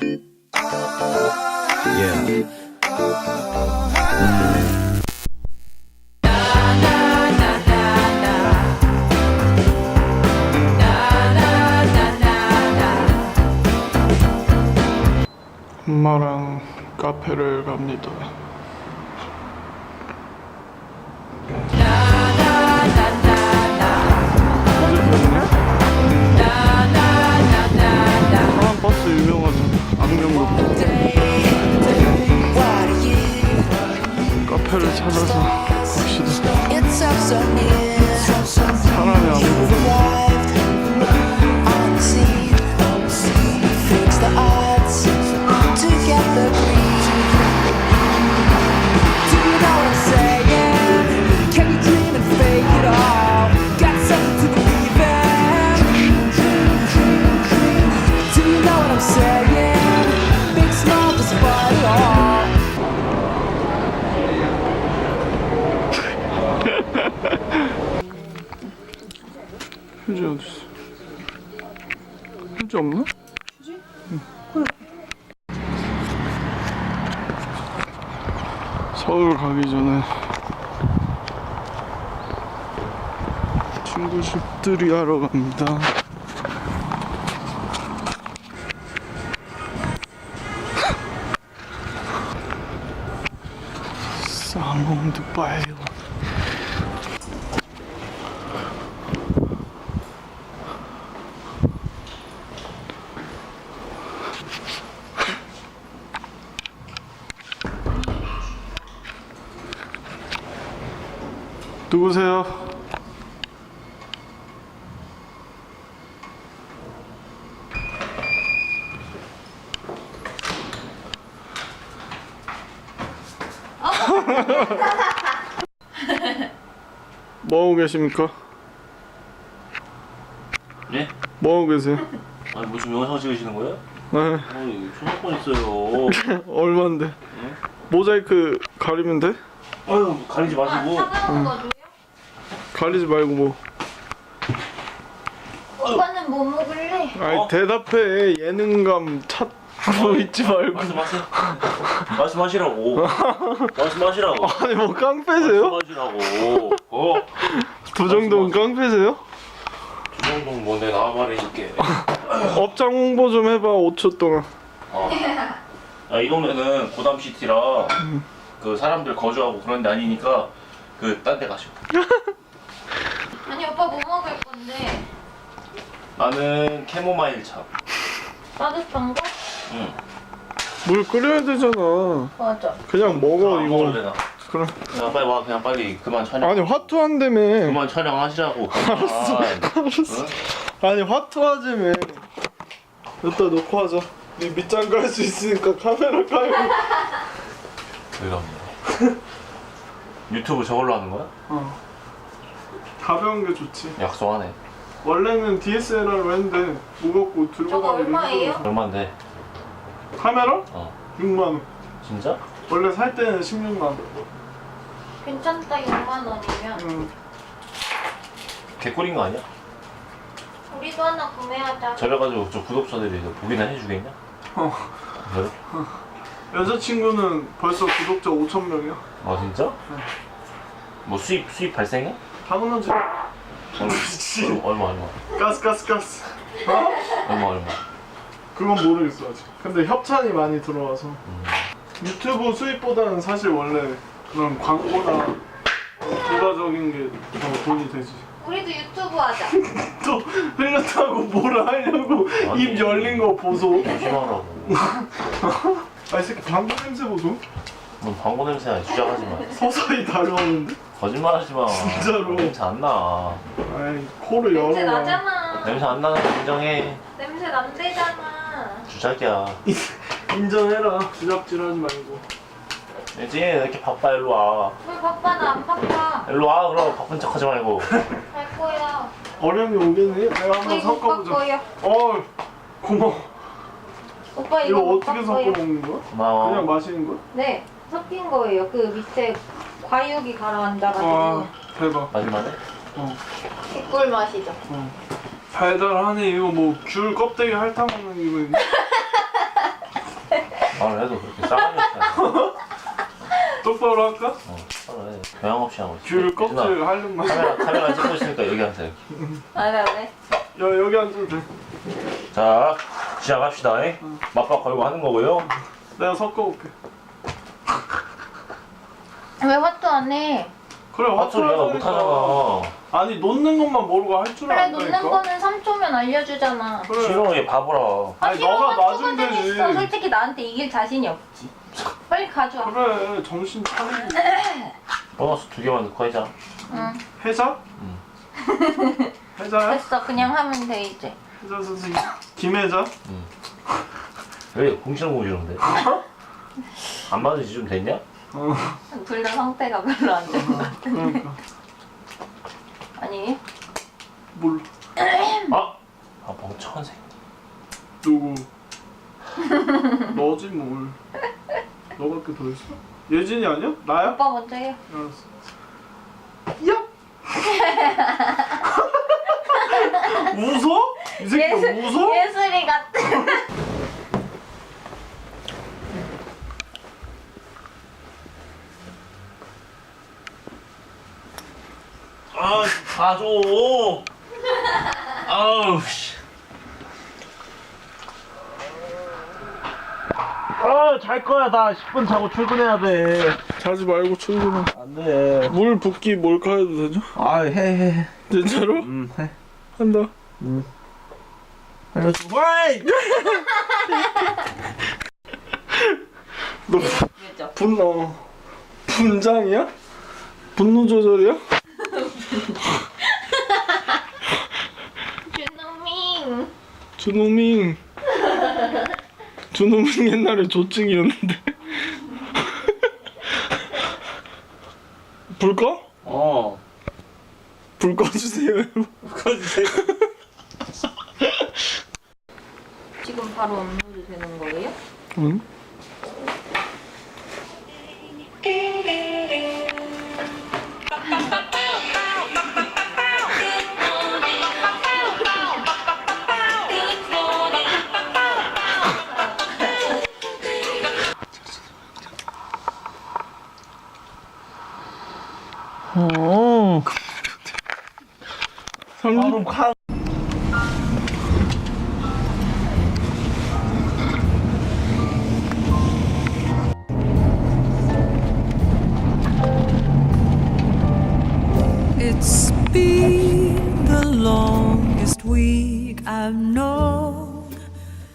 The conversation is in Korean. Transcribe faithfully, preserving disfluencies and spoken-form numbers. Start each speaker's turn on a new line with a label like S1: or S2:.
S1: Yeah.
S2: 엄마랑 카페를 갑니다. 사람 버스 유명하잖아. 안경도 카페를 찾아서 갑시다. 사람이 아무도 휴지 어딨어? 휴지 없나? 휴지? 응. 서울 가기 전에 친구 집들이 하러 갑니다. 사몽드 바이오. 누구세요? 뭐하고 계십니까?
S3: 네?
S2: 뭐하고 계세요?
S3: 아니 뭐 지금 영상 찍으시는 거예요?
S2: 네.
S3: 어, 초등학권 있어요.
S2: 얼만데?
S3: 네?
S2: 모자이크 가리면 돼?
S3: 아유 가리지 마시고.
S4: 차가운 거 줘요?
S2: 가리지 말고 뭐.
S4: 오빠는 뭐 먹을래?
S2: 아니
S3: 어?
S2: 대답해. 예능감 찾고 있지 말고.
S3: 말씀하세요. 말씀하시라고. 말씀하시라고.
S2: 아니 뭐 깡패세요?
S3: 말씀하시라고. 어?
S2: 두 정도는 깡패세요?
S3: 두 정도는 뭐 내가 아무 말해줄게.
S2: 업장 홍보 좀 해봐. 오 초 동안.
S3: 어. 아, 이 동네는 고담시티라 그 사람들 거주하고 그런 데 아니니까 그 딴 데 가시고.
S4: 아니 오빠 뭐 먹을 건데?
S3: 나는 캐모마일 차.
S4: 따뜻한 거?
S3: 응.
S2: 물 끓여야 되잖아.
S4: 맞아.
S2: 그냥 먹어
S3: 안
S2: 이거.
S3: 먹을래 나.
S2: 그럼.
S3: 야, 빨리 와. 그냥 빨리 그만 촬영.
S2: 아니 화투한다며.
S3: 그만 촬영하시라고. 알았어.
S2: 알았어. 아니 화투하자며. 여기다 놓고 하자. 네 밑장 깔 수 있으니까 카메라 깔고.
S3: 왜가 없네. 유튜브 저걸로 하는 거야?
S2: 어. 가벼운 게 좋지.
S3: 약속하네.
S2: 원래는 디에스엘알로 했는데 무겁고 들고
S4: 저거
S2: 다니기
S4: 얼마예요?
S2: 힘들어.
S3: 얼마인데?
S2: 카메라?
S3: 어.
S2: 육만 원.
S3: 진짜?
S2: 원래 살 때는 십육만 원.
S4: 괜찮다 육만 원이면
S2: 응.
S3: 개꿀인 거 아니야?
S4: 우리도 하나 구매하자.
S3: 저래가지고 저 구독자들이 보기나 해주겠냐?
S2: 어.
S3: 그래?
S2: 여자친구는 벌써 구독자 오천 명이야.
S3: 아 진짜? 뭐 수입 수입 발생해?
S2: 당연하지.
S3: 얼마 얼마 얼마
S2: 가스 가스 가스. 어?
S3: 얼마 얼마.
S2: 그건 모르겠어 아직. 근데 협찬이 많이 들어와서
S3: 음.
S2: 유튜브 수입보다는 사실 원래 그런 광고나 부가적인 게 더 돈이 되지.
S4: 우리도 유튜브 하자.
S2: 또 흘렸다고 뭐라 하려고.
S3: 아니.
S2: 입 열린 거 보소.
S3: 조심하라고.
S2: 아 이 새끼 방구 냄새 보소.
S3: 넌 방구 냄새야. 주작하지 마.
S2: 서서히 다가오는데.
S3: 거짓말하지 마.
S2: 진짜로.
S3: 냄새 안 나.
S2: 아이 코를
S4: 냄새
S2: 열어봐.
S4: 나잖아.
S3: 냄새 안 나는 거 인정해.
S4: 냄새 난대잖아.
S3: 주작이야.
S2: 인정해라. 주작질하지 말고.
S3: 이제 이렇게 바빠. 일로 와.
S4: 왜 바빠? 나 안 바빠.
S3: 일로 와. 그럼 바쁜 척하지 말고.
S4: 갈 거야.
S2: 어련히 오겠네. 내가 한번
S4: 이거 오빠
S2: 섞어보자.
S4: 거야.
S2: 어 고마워.
S4: 오빠
S2: 이거
S4: 이거 오빠
S2: 어떻게 섞어
S4: 거예요.
S2: 먹는 거야?
S3: 고마워.
S2: 그냥 마시는 거야?
S4: 네, 섞인 거예요. 그 밑에 과육이 가라앉아가지고
S2: 와 대박.
S3: 마지막에?
S2: 어.
S4: 개꿀 맛이죠.
S2: 어. 달달하네. 이거 뭐 귤 껍데기 핥아 먹는 이거.
S3: 말을 해도 그렇게 싸가지 없어.
S2: 똑바로 할까?
S3: 어, 말을 해. 교양 없이 하고 있어.
S2: 귤 껍질
S3: 유진아,
S2: 하려면.
S3: 카메라 카메라 찍고 있으니까 여기 앉아 여기.
S4: 아 그래?
S2: 야 여기 앉아도 돼.
S3: 자 시작합시다. 응. 맞박 걸고 하는 거고요.
S2: 내가 섞어볼게.
S4: 왜 화투 안 해?
S2: 그래
S3: 화투를 내가
S2: 화투하자니까.
S3: 못하잖아.
S2: 아니 놓는 것만 모르고 할 줄
S4: 그래
S2: 안다니까.
S4: 놓는 거는 삼 초면 알려주잖아.
S2: 그래.
S3: 싫어 얘 바보라.
S2: 아니
S4: 싫어,
S2: 너가
S4: 화투가
S2: 놔주면 되지.
S4: 재밌어. 솔직히 나한테 이길 자신이 없지. 빨리 가져와.
S2: 그래 정신 차리고.
S3: 보너스 두 개만 넣고 하자.
S4: 응.
S2: 해자?
S3: 응.
S2: 해자야?
S4: 됐어. 그냥 하면 돼 이제.
S2: 해자 선생님. 김해자?
S3: 왜 공시렁공시렁대? 안 맞으지 좀 됐냐?
S2: 어.
S4: 둘 다 상태가 별로 안 좋은 것 같아.
S2: 그러니까.
S4: 아니
S2: 몰라.
S3: 아! 아 멍청한 새끼.
S2: 누구? 너지 뭘. 너밖에 더 있어? 예진이 아니야? 나야?
S4: 오빠 먼저 해.
S2: 알았어. 야! 웃어? 이 새끼 웃어?
S4: 예술이 같아.
S3: 아, 가줘. 아우 씨. 아, 잘 거야. 나 십 분 자고 출근해야 돼.
S2: 자지 말고 출근해.
S3: 안 돼.
S2: 물 붓기 몰카 해도 되죠?
S3: 아, 해 해.
S2: 진짜로?
S3: 음, 해.
S2: 한다.
S3: 알려줘. 와이!
S2: 너
S4: 그죠?
S2: 분노 분장이야? 분노 조절이야?
S4: 준호민.
S2: 준호민 준호민 옛날에 조증이었는데 불 꺼?
S3: 어.
S2: 불 꺼주세요.
S3: 꺼주세요.
S4: 지금 바로 업로드 되는 거예요?
S2: 응?
S3: 어.
S2: 삼십
S3: 가.
S1: It's been the longest week I've known.